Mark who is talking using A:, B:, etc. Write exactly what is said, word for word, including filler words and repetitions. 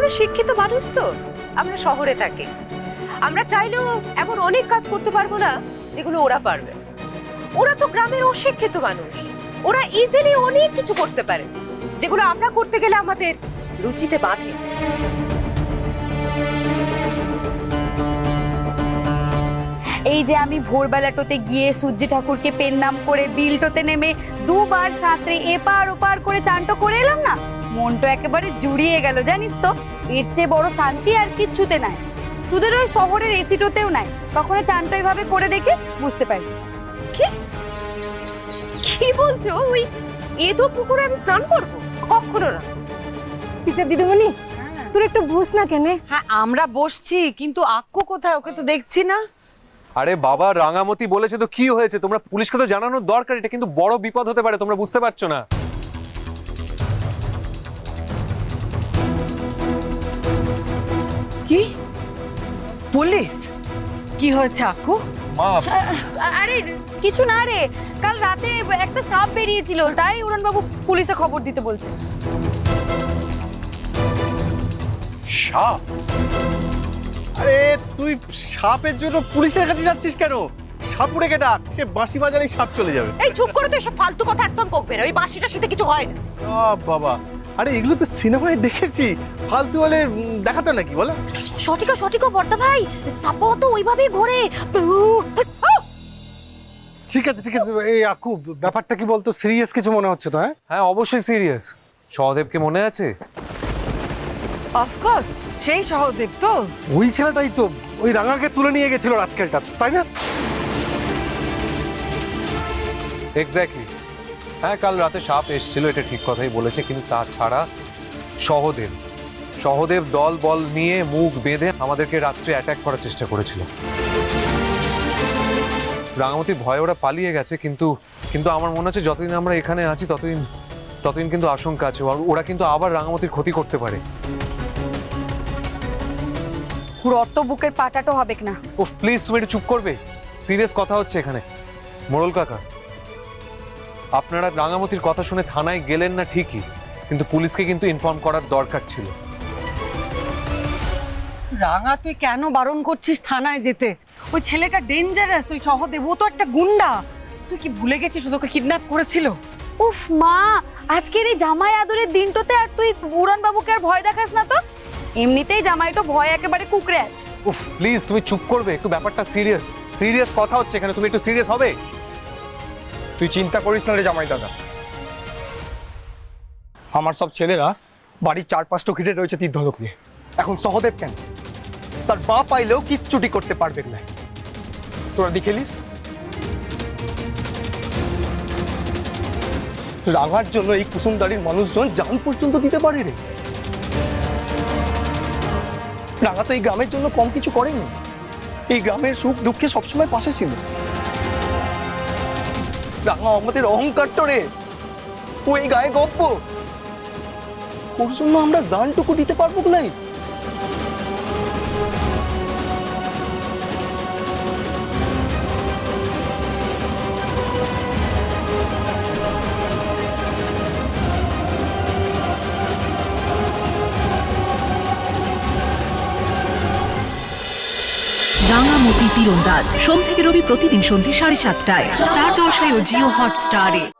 A: শিক্ষিত মানুষ তো, আমরা শহরে থাকি। আমরা চাইলেও এমন অনেক কাজ করতে পারবো না যেগুলো ওরা পারবে। ওরা তো গ্রামের অশিক্ষিত মানুষ, ওরা ইজিলি অনেক কিছু করতে পারে যেগুলো আমরা করতে গেলে আমাদের রুচিতে বাঁধে।
B: এই যে আমি ভোরবেলাটোতে গিয়ে সূর্য ঠাকুরকে পেন নাম করে বিলটোতে নেমে দুবার সাঁতরে এপার ওপার করে চানটো করে এলাম না, মনটা একেবারে জুড়িয়ে গেল জানিস তো। এর চেয়ে বড় শান্তি আর কিচ্ছুতে নাই। তোদের ওই শহরের এসিটোতেও নাই। কখনো চানটো এইভাবে করে দেখিস, বুঝতে পারবি।
A: কি কি বলছো? ওই এতো পুকুরে আমি স্নান করবো? কখনো না।
C: টিচার দিদিমণি, তোর একটু বস না কেন?
D: হ্যাঁ আমরা বসছি, কিন্তু আক্কু কোথায়? ওকে তো দেখছি না।
E: আরে বাবা, রাঙামতি বলেছে তো কি হয়েছে? তোমরা পুলিশকে তো জানানোর দরকার, এটা কিন্তু বড় বিপদ হতে পারে, তোমরা বুঝতে পারছো না?
D: কি পুলিশ? কি হয়েছে আক্কু?
E: মা,
B: আরে কিছু না রে, কাল রাতে একটা সাপ বেরিয়েছিল, তাই উড়ানবাবু পুলিশে খবর দিতে বলছে।
E: সাপ?
F: আরে তুই সাপের জন্য পুলিশের কাছে যাচ্ছিস কেন? সাপুড়েকে ডাক, সে বাঁশি বাজালেই সাপ চলে যাবে।
A: এই চুপ করে তো, এসব ফালতু কথা একদম বকবে না। ওই বাঁশিটার সাথে কিছু হয় না।
F: আ বাবা, আরে এগুলো তো সিনেমায় দেখেছি, ফালতু হলে উম, দেখাতো নাকি বলো?
B: সঠিক সঠিক বর্তা ভাই, সাপও তো ওইভাবেই ঘোরে।
G: ঠিক আছে ঠিক আছে, এই আকু ব্যাপারটা কি বলতো, সিরিয়াস কিছু মনে হচ্ছে তো? হ্যাঁ
E: হ্যাঁ অবশ্যই সিরিয়াস। সহদেবকে মনে আছে?
D: অফকোর্স, সেই সহদেব তো।
G: ওই ছেলেটাই তো ওই রাঙাকে তুলে নিয়ে গেছিল রাজকেলটা, তাই না?
E: এক্স্যাক্টলি। হ্যাঁ কাল রাতে সাপ এসেছিল, এটা ঠিক কথাই বলেছে, কিন্তু তাছাড়া সহদেব সহদেব দল বল নিয়ে মুখ বেঁধে আমাদেরকে রাত্রে অ্যাটাক করার চেষ্টা করেছিল। রাঙামতি ভয়ে ওরা পালিয়ে গেছে, কিন্তু কিন্তু আমার মনে হচ্ছে যতদিন আমরা এখানে আছি ততদিন ততদিন কিন্তু আশঙ্কা আছে, ওরা কিন্তু আবার রাঙামতির ক্ষতি করতে পারে।
B: রত বুকের পাটাটো হবে না।
E: ও প্লিজ, তুমি একটু চুপ করবে? সিরিয়াস কথা হচ্ছে এখানে। মোড়ল কাকা, আপনারা রাঙামতির কথা শুনে থানায় গেলেন না ঠিকই, কিন্তু পুলিশকে কিন্তু ইনফর্ম করার দরকার ছিল।
D: রাঙা, তুই কেন বারণ করছিস থানায় যেতে? ওই ছেলেটা ডেঞ্জারাস, ওই সহদেব, ও তো একটা গুন্ডা। তুই কি ভুলে গেছিস ওকে কিডন্যাপ করেছিল?
B: উফ মা, আজকের এই জামাই আদরের দিনটোতে আর তুই উড়ান বাবুকে আর ভয় দেখাস না তো। এমনিতেই জামাইটো ভয় একেবারে কুকড়ে আছে।
E: উফ প্লিজ, তুমি চুপ করবে একটু? ব্যাপারটা সিরিয়াস সিরিয়াস কথা হচ্ছে এখানে, তুমি একটু সিরিয়াস হবে?
H: তুই চিন্তা করিস না রে জামাই দাদা, আমার সব ছেলেরা বাড়ির চার পাঁচটা ঘিরে রয়েছে তীর ধনুক নিয়ে। এখন সহদেব কেন? তার মা পাইলেও কিচ্ছুটি করতে পারবে না। তোরা দেখেলিস রাঙার জন্য এই কুসুমদারির মানুষজন জান পর্যন্ত দিতে পারে রে। রাঙা তো এই গ্রামের জন্য কম কিছু করেনি, এই গ্রামের সুখ দুঃখে সবসময় পাশে ছিল। রাঙা আমাদের অহংকার তো রে, ও এই গায়ে গপ্প, ওর জন্য আমরা জানটুকু দিতে পারবো নাই।
I: রাঙামতি তীরন্দাজ সোম থেকে রবি প্রতিদিন সন্ধ্যে সাড়ে সাতটায় স্টার জলসায় ও জিও হটস্টারে।